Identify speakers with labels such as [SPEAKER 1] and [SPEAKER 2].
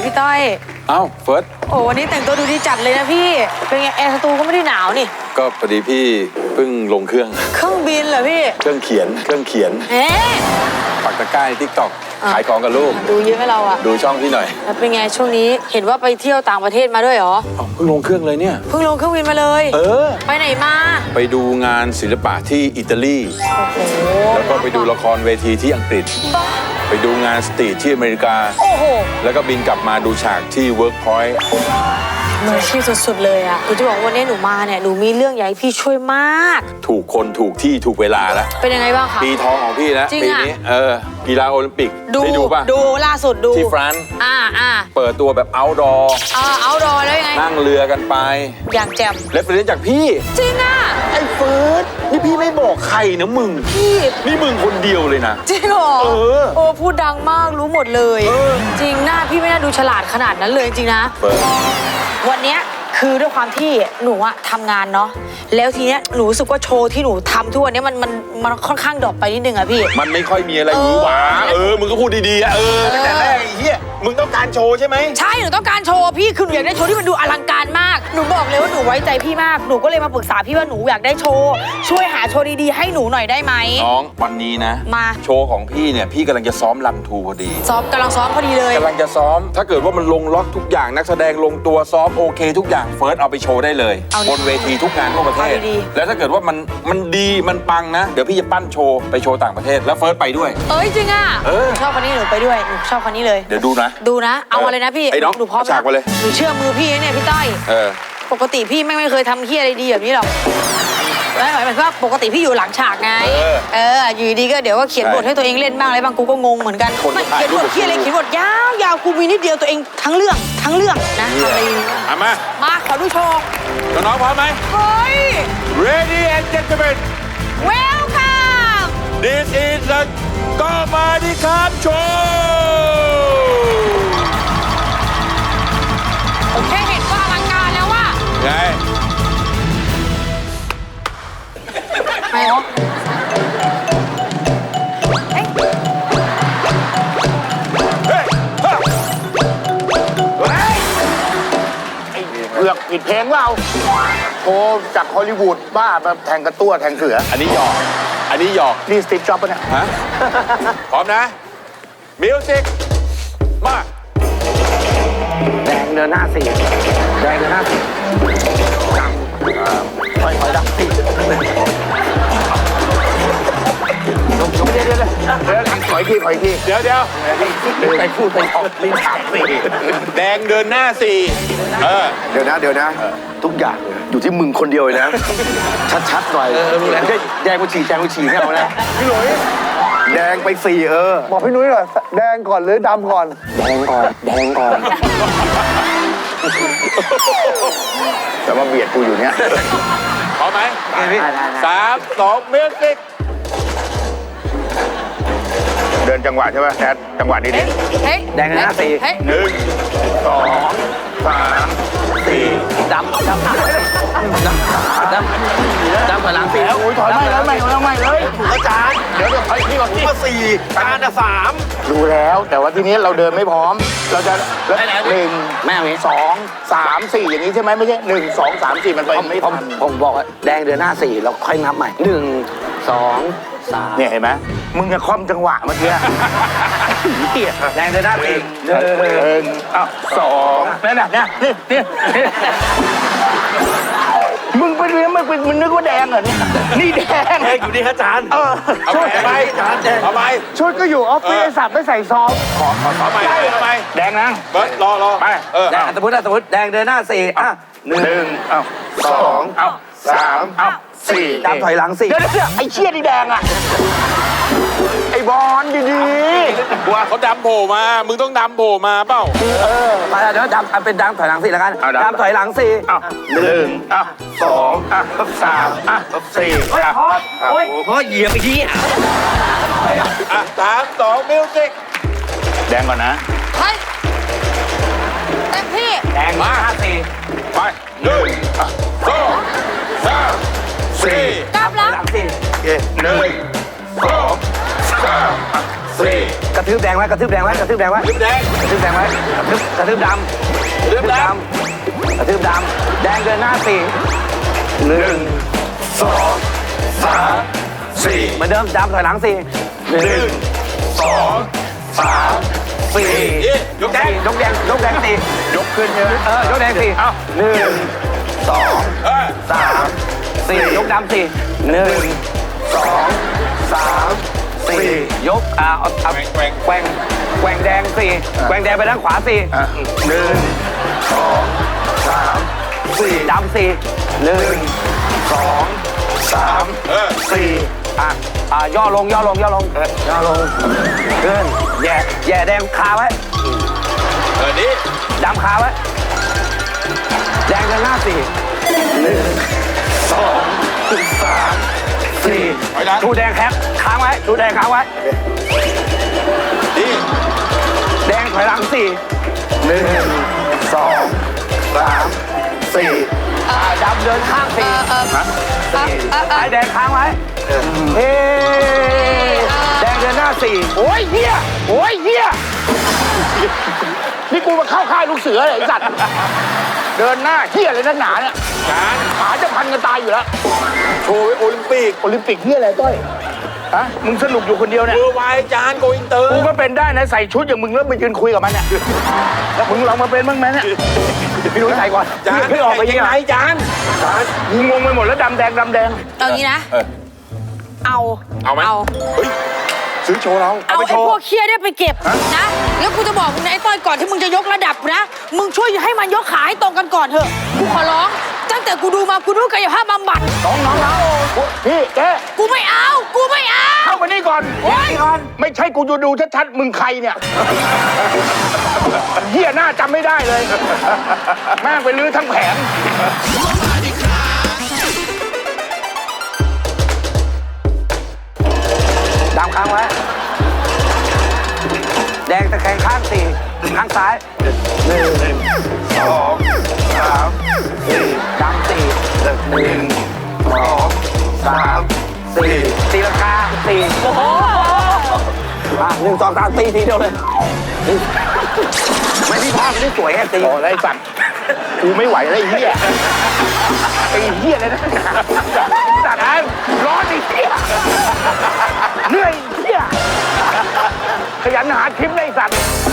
[SPEAKER 1] พี่ต้อย
[SPEAKER 2] เอ้าเฟิร์ส
[SPEAKER 1] โอ้วันนี้แต่งตัวดูดีจัดเลยนะพี่เป็นไงแอร์สตูก็ไม่ได้หนาวนี่
[SPEAKER 2] ก็พอดีพี่เพิ่งลงเครื่อง
[SPEAKER 1] บินเหรอพี่
[SPEAKER 2] เครื่องเขียนปักตะกร้าในทิกตอกขายของกับลูก
[SPEAKER 1] ดูเยอะให้เราอะ
[SPEAKER 2] ดูช่องพี่หน่อย
[SPEAKER 1] แล้วเป็นไงช่วงนี้เห็นว่าไปเที่ยวต่างประเทศมาด้วยเหรอ
[SPEAKER 2] เพิ่งลงเครื่องเลยเนี่ย
[SPEAKER 1] เพิ่งลงเครื่องบินมาเลยไปไหนมา
[SPEAKER 2] ไปดูงานศิลปะที่อิตาลี
[SPEAKER 1] โอ้โห
[SPEAKER 2] แล้วก็ไปดูละครเวทีที่อังกฤษไปดูงานสตรีทที่อเมริกา
[SPEAKER 1] โอ้โห
[SPEAKER 2] แล้วก็บินกลับมาดูฉากที่เวิร์กพอยต์
[SPEAKER 1] มืออาชีพสุดๆเลยอ่ะหนูจะบอกวันนี้หนูมาเนี่ยหนูมีเรื่องอยากให้พี่ช่วยมาก
[SPEAKER 2] ถูกคนถูกที่ถูกเวลาแล้ว
[SPEAKER 1] เป็นยังไงบ้างคะ
[SPEAKER 2] ปีทองของพี่แล้วปีนี้กีฬาโอลิมปิกได้ดูป่ะ
[SPEAKER 1] ดูล่าสุดดู
[SPEAKER 2] ที่ฟรานซ์เปิดตัวแบบเอาท์ดอร์
[SPEAKER 1] แล้วยังไง
[SPEAKER 2] นั่งเรือกันไป
[SPEAKER 1] อย่างแจ่ม
[SPEAKER 2] เรฟเฟอเรนซ์จากพี่
[SPEAKER 1] จริงอ่ะ
[SPEAKER 2] ไอ้เฟิร์สนี่พี่ไม่บอกใครนะมึง
[SPEAKER 1] พี่
[SPEAKER 2] นี่มึงคนเดียวเลยนะ
[SPEAKER 1] จริงเหรอโอ้พูดดังมากรู้หมดเลยจริงหน้าพี่ไม่น่าดูฉลาดขนาดนั้นเลยจริงนะวันเนี้ยคือด้วยความที่หนูอะทำงานเนาะแล้วทีเนี้ยหนูรู้สึกว่าโชว์ที่หนูทำทุกวันนี้มันค่อนข้างดรอปไปนิดนึงอะพี่
[SPEAKER 2] มันไม่ค่อยมีอะไรหวือหวามึงก็พูดดีๆอะแต่แรกไอ้เหี้ยมึงต้องการโชว์ใช่ไหม
[SPEAKER 1] ใช่หนูต้องการโชว์พี่คือหนูอยากได้โชว์ที่มันดูอลังการมากหนูบอกเลยว่าหนูไว้ใจพี่มากหนูก็เลยมาปรึกษาพี่ว่าหนูอยากได้โชว์ช่วยหาโชว์ดีๆให้หนูหน่อยได้ไหม
[SPEAKER 2] น้องวันนี้นะ
[SPEAKER 1] มา
[SPEAKER 2] โชว์ของพี่เนี่ยพี่กำลังจะซ้อมรันทูพอดี
[SPEAKER 1] กำลังซ้อมพอดีเลย
[SPEAKER 2] กำลังจะซ้อมถ้าเกิดว่ามันลงล็อกทุกอย่างนักแสดงลงตัวซ้อมโอเคทุกอย่างเฟิร์สเอาไปโชว์ได้เลยบนเวทีทุกงานทั่วประเทศแล้วถ้าเกิดว่ามันดีมันปังนะเดี๋ยวพี่จะปั้นโชว์ไปโชว์ต่างประเทศแล้วเฟิร์สไปด้วย
[SPEAKER 1] จริงอ่ะชอบคนนี้หนูไปด้วยหนูชอบคนนี้เลย
[SPEAKER 2] เดี๋ยวดูนะ
[SPEAKER 1] เอามาเลยนะพี่
[SPEAKER 2] ไอ้น้อง
[SPEAKER 1] หนูพร้อม
[SPEAKER 2] ฉากมาเลย
[SPEAKER 1] หนูเชื่อมือพี่เนี่ยพี่ต้อยปกติพี่ไม่เคยทำเหี้ยอะไรดีแบบนี้หรอกไม่หมายถึงว่าปกติพี่อยู่หลังฉากไงอยู่ดีก็เดี๋ยวก็เขียนบทให้ตัวเองเล่นบ้างอะไรบ้างกูก็งงเหมือนกันเขียนบทเหี้ยอะไรเขียนบทยาวกูมีนิดเดียวตัวเองทั้งเรื่องนะ
[SPEAKER 2] อะไร
[SPEAKER 1] มาขอดูโชว์
[SPEAKER 2] น้องพร้อมไหม
[SPEAKER 1] เฮ้ย
[SPEAKER 2] Ready and gentlemen
[SPEAKER 1] Welcome
[SPEAKER 2] This is the ก็มาดิครับโชว์
[SPEAKER 1] ผมแค่เห็นก็อลังการแล้วว่า
[SPEAKER 2] ไง
[SPEAKER 1] ไม่หรอ
[SPEAKER 3] เลือกผิดเพลงเราโทรจากฮอลลีวูดบ้ามาแทงกระตั้วแทงเสือ
[SPEAKER 2] อันนี้หยอก
[SPEAKER 3] นี่สตีฟจ็อบส์ปะเนี่ย
[SPEAKER 2] ฮะพร้อมนะมิวสิกมา
[SPEAKER 3] แดงเดินหน้าสี่ค่อยดังสี่เดี๋ยวขออีกที
[SPEAKER 2] เดี๋ยว
[SPEAKER 3] ไปพูดไปออกลิ้นขาดสี่
[SPEAKER 2] แดงเดินหน้าสี่
[SPEAKER 3] เดี๋ยวนะทุกอย่างอยู่ที่มึงคนเดียวเลยนะชัดๆหน่อยไม่ใช่แดงกูฉี่ไม่เอานะพี่หลุยแดงไปสี่
[SPEAKER 4] บอกพี่นุ้ยหน่อยแดงก่อนหรือดำก่อน
[SPEAKER 3] แดงก่อนแต่ว่าเบียดกูอยู่เนี้ย
[SPEAKER 2] พร้อมไหม3 2มิวสิก
[SPEAKER 3] เดินจังหวะใช่ไหมแอดจังหวะนี้ดิแดงหน้าสี่
[SPEAKER 2] 1 2 3 4
[SPEAKER 3] ดำถอยหลังสี่โอ้ยถอยไม่เลยอาจารย์เดี๋ยวถอยพี่ก่อนพี่ก็สี่อาจารย์3ดูแล้วแต่ว่าทีนี้เราเดินไม่พร้อมเราจะ1 2 3 4อย่างนี้ใช่ไหมไม่ใช่1 2 3 4มันไปไม่ทันผมบอกว่าแดงเดินหน้า4เราค่อยนับใหม่1 2 3เนี่ยเห็นไหมมึงจะคล่อมจังหวะเมื่อกี้แดงเดินหน้า1 2นั่นน่ะนี่มึงไปเรียนมึงนึกว่าแดงเหรอเนี่ยนี่แดง
[SPEAKER 2] อยู่ดีครับอาจารย์
[SPEAKER 3] ช่วย
[SPEAKER 2] ไปเอาไป
[SPEAKER 4] ชุดก็อยู่ออฟฟิศสับไม่ใส่ซอง
[SPEAKER 2] ขอไป
[SPEAKER 3] แดงนะ
[SPEAKER 2] เบิร์ดรอ
[SPEAKER 3] ไปสมมติแดงเดินหน้า4 1 2 3 4ดำถอยหลัง4เดี๋ยวไอ้เชี่ยนี่แดงอ่ะไอ้บอลดี
[SPEAKER 2] ๆว่าเขาดำโผล่มามึงต้องดำโผล่มาเปล่า
[SPEAKER 3] มาเดี๋ยวดำเป็นดำถอยหลัง4แล้วกันดำถอยหลัง4 1 2 3 4โอ้ยเหยียบไปที
[SPEAKER 2] 3 2มิวสิก
[SPEAKER 3] แดงก่อนนะ
[SPEAKER 1] เฮ้ยเต็มที่
[SPEAKER 3] แดงมา4
[SPEAKER 2] ไป1 2 3 4
[SPEAKER 1] กลับหลัง
[SPEAKER 3] 4 1 2 3 4 กระทืบแดงไว้กระทืบแดงไว้กระทืบแดงไว้
[SPEAKER 2] กระทืบแดง
[SPEAKER 3] กระทืบแดงไว้กระทืบดำ
[SPEAKER 2] กระทืบด
[SPEAKER 3] กระทืบดำแดงเดินหน้า4 1 2 3 4เหมือนเดิมดำถอยหลัง4 1 2 3 4
[SPEAKER 2] ยกแดง
[SPEAKER 3] ยกแดง4ยกขึ้นใช่ไหมยกแดง4เอา1 2 3 4ยกดำ4 1 2 3 4ยกเอาแกว่งแดง4แกว่งแดงไปด้านขวา4 1 2 3 4ดำ4 1 2 3 4ย่อลงขึ้นแย่แดงคาไว้
[SPEAKER 2] นี่
[SPEAKER 3] ดำคาไว้แดงเดินหน้า4 1 2 3 4ชูแดงแคปค้างไว้ชูแดงค้างไว้
[SPEAKER 2] นี่
[SPEAKER 3] แดงถอยหลัง4 1 2 3 4ดำเดินข้าง4ไอ้แดงค้างไว้เฮ้แดงเดินหน้า4โอ้ยเฮียนี่กูมาเข้าค่ายลูกเสือเลยไอ้สัตว์เดินหน้าเฮียเลยนักหนาเนี่ยขาจะพันกันตายอยู่แล้ว
[SPEAKER 2] โชว์โอลิมปิก
[SPEAKER 3] เฮียอะไรต้อยฮะมึงสนุกอยู่คนเดียวเนี่ย
[SPEAKER 2] เวอร์ไวจานโกอินเตอร์
[SPEAKER 3] กูก็เป็นได้นะใส่ชุดอย่างมึงแล้วมายืนคุยกับมันเนี่ยแล้วมึงลองมาเป็นบ้างไหมเนี่ยพี่นุ้ยใส่ก่อน
[SPEAKER 2] จาน
[SPEAKER 3] พี่ออกไปยังไง
[SPEAKER 2] จาน
[SPEAKER 3] มึงงงไปหมดแล้วดำแดง
[SPEAKER 1] เอางี้นะ
[SPEAKER 2] เอาไหม
[SPEAKER 1] เอา
[SPEAKER 2] เฮ้ยซื้อโชว์เรา
[SPEAKER 1] เอา
[SPEAKER 2] ไป
[SPEAKER 1] ไอ้
[SPEAKER 2] โชว์
[SPEAKER 1] พวกเคียได้ไปเก็บนะ แล้วกูจะบอกมึงนะไอ้ต้อยก่อนที่มึงจะยกระดับนะ มึงช่วยให้มันยกขาให้ตรงกันก่อนเถอะ กูขอร้อง ตั้งแต่กูดูมากูรู้กายภาพบำบัด
[SPEAKER 3] น้องพี่แก
[SPEAKER 1] กูไม่เอา
[SPEAKER 3] เข้ามานี่ก่อนไม่ใช่กูจะดูชัดๆมึงใครเนี่ยเฮียหน้าจำไม่ได้เลยแม่งไปลื้อทั้งแผงดำค้างไว้แดงตะแคงข้าง4ข้างซ้าย1 2 3 4ดำ4 1 2 3 4ตีลังกา4โอ้โห1 2 3 4ทีเดียวเลยไม่ที่ภาพไม่ได้สวยไงตีโอ้ไอ้สัตว์กูไม่ไหวแล้วไอ้เหี้ยเลยนะสัตว์ร้อนไอ้เหี้ยเหนื่อยเหี้ยขยันหาคลิปเลยไอ้สัตว์